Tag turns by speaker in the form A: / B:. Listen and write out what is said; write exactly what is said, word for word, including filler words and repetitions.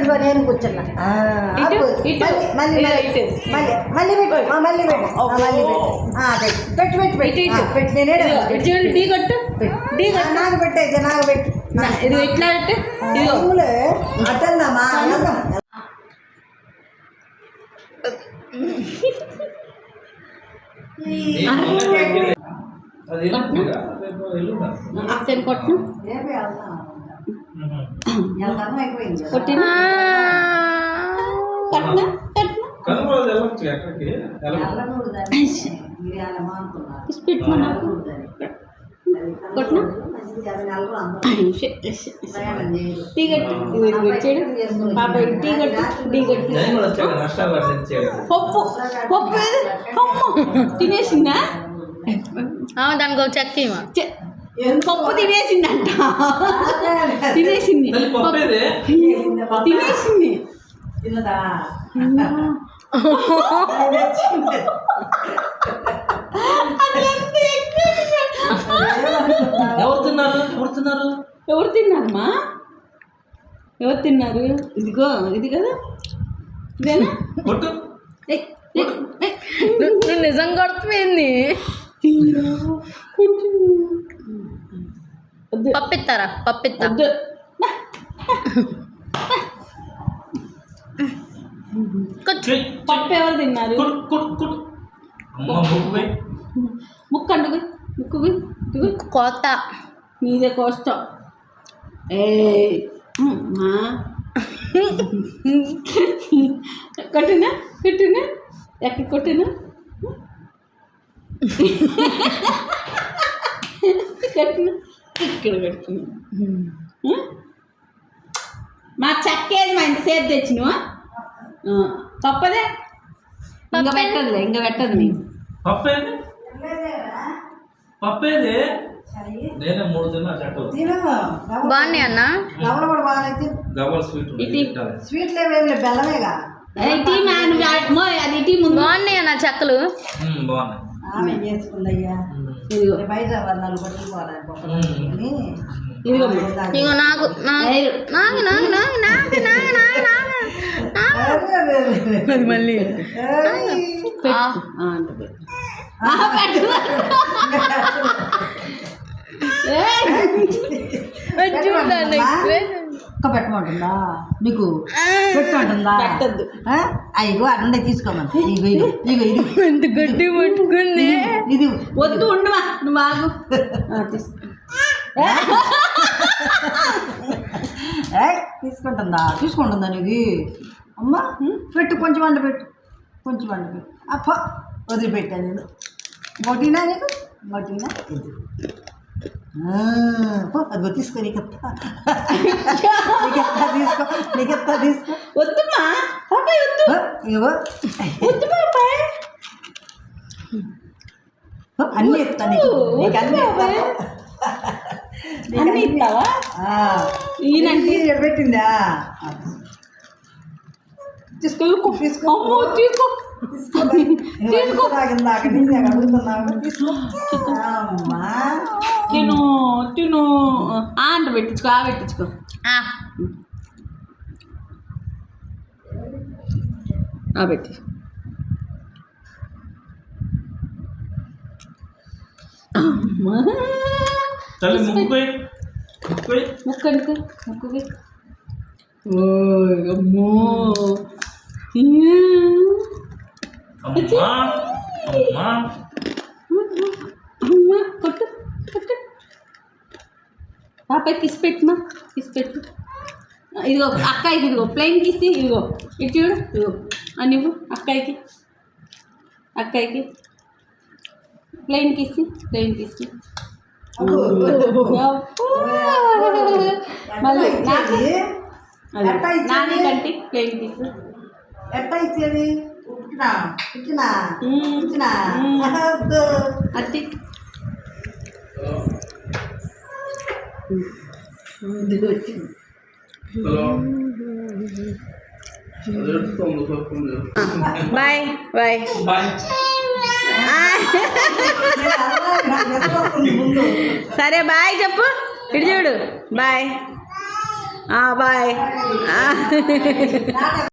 A: ఇదిగో నేను కూర్చున్నా మళ్ళీ మళ్ళీ మళ్ళీ మళ్ళీ పెట్టు మళ్ళీ పెట్టు మళ్ళీ పెట్టు పెట్టు పెట్టి పెట్టి నేనే
B: టీ కొట్టు టీ
A: నాకు పెట్టయితే నాకు పెట్టు
B: ఇది ఎట్లా అంటే
A: అట్టన్నామా
B: అక్కని కొట్టు కొట్టినా కట్నా కట్నా కొట్టినా టీ కట్టు వచ్చాడు పాప టీ కట్టు టీ కట్టు పప్పు పప్పు తినేసిందా
C: దానికి ఒక చెక్క
B: పప్పు తినేసిందంట తినేసింది తినేసింది
D: ఎవరు తిన్నారు ఎవరు తిన్నారు
B: ఎవరు తిన్నారమ్మా ఎవరు తిన్నారు ఇదిగో ఇది కదా ఇదేనా
C: నువ్వు నిజం కొడుతుంది పప్పిస్తారా పప్పిస్తా
B: పప్పు ఎవరు తిన్నారు ముక్కండు ముక్కు
C: కోత
B: నీదే కోస్తాం ఏ కొట్టినా కొట్టినా ఎక్కడ కొట్టినా కట్టినా ఇక్కడ కట్టినా మా చక్కేది మా ఇంతసేపు తెచ్చినవా పప్పదే ఇంకా పెట్టదులే ఇంకా పెట్టదు నీకు
D: పప్పేది పప్పేది నేనే మూడు తిన్నా చెట్టు
C: బాగున్నాయి అన్న
D: గవ్వల స్వీట్
A: స్వీట్ లేవేమి బెల్లమేగా
B: అది టీ ముందు
C: బాగున్నాయి అన్న చెక్కలు
D: బాగున్నాయి
A: చేసుకుందయ్యా బయట వర్ణాలు పట్టుకుపోవాలి
C: ఇగో నాకు నాకు నాకు నాకు నాకు నాకు నాకు మళ్ళీ చూడండి
A: ఒక్క పెట్టమంటుందా నీకు పెట్టమంటుందా
B: పెట్టద్దు
A: అయ్యో అన్నే తీసుకోమని ఇగో ఇగో ఇగో ఇది
C: ఎంత గట్టి పట్టుకుంది
A: ఇది
B: వద్దు ఉండవా నువ్వు బాగు
A: తీసుకుంటుందా తీసుకుంటుందా నీకు అమ్మ పెట్టు కొంచెం వంట పెట్టు కొంచెం వంట పెట్టు అప్ప వదిలిపెట్టాను నేను మొటినా నీకు మొటినా అది తీసుకో నీకెత్తా నీకెత్తా తీసుకో నీకెత్తా తీసుకో
B: వద్దుమా పాపాయ్ వద్దు
A: ఇగో
B: వద్దు పాపాయ్
A: అన్నీ ఎత్తా నీకు నీకు అన్నీ
B: అన్నీ ఇస్తావా ఈయనంటే
A: పెట్టిందా
B: తీసుకో తీసుకో తీసుకో
A: తీసుకో తాగిందాక నేను అడుగుతున్నాను తీసుకో
B: తిను తిను ఆ అంట పెట్టించుకో ఆ పెట్టించుకో ఆ పెట్టి ముక్కు అనుకో ముక్కు ఓ అమ్మో కొట్టు కొట్టు పాప కిస్ పెట్టుమా కిస్ పెట్టు ఇదిగో అక్కాయికి ఇదిగో ప్లెయిన్ కిస్ ఇదిగో ఇటు చూడు ఇదిగో అని ఇవ్వు అక్కాయికి అక్కాయికి ప్లెయిన్ కిస్ ప్లెయిన్ కిస్ మళ్ళీ నాని కంటే ప్లెయిన్ కిస్
A: ఎట్లా ఇచ్చేది ఇచ్చినా ఇచ్చినా ఇచ్చినా
B: అట్టి
A: వచ్చింది
C: బాయ్ బాయ్ సరే బాయ్ చెప్పు ఇటు చూడు బాయ్
B: బాయ్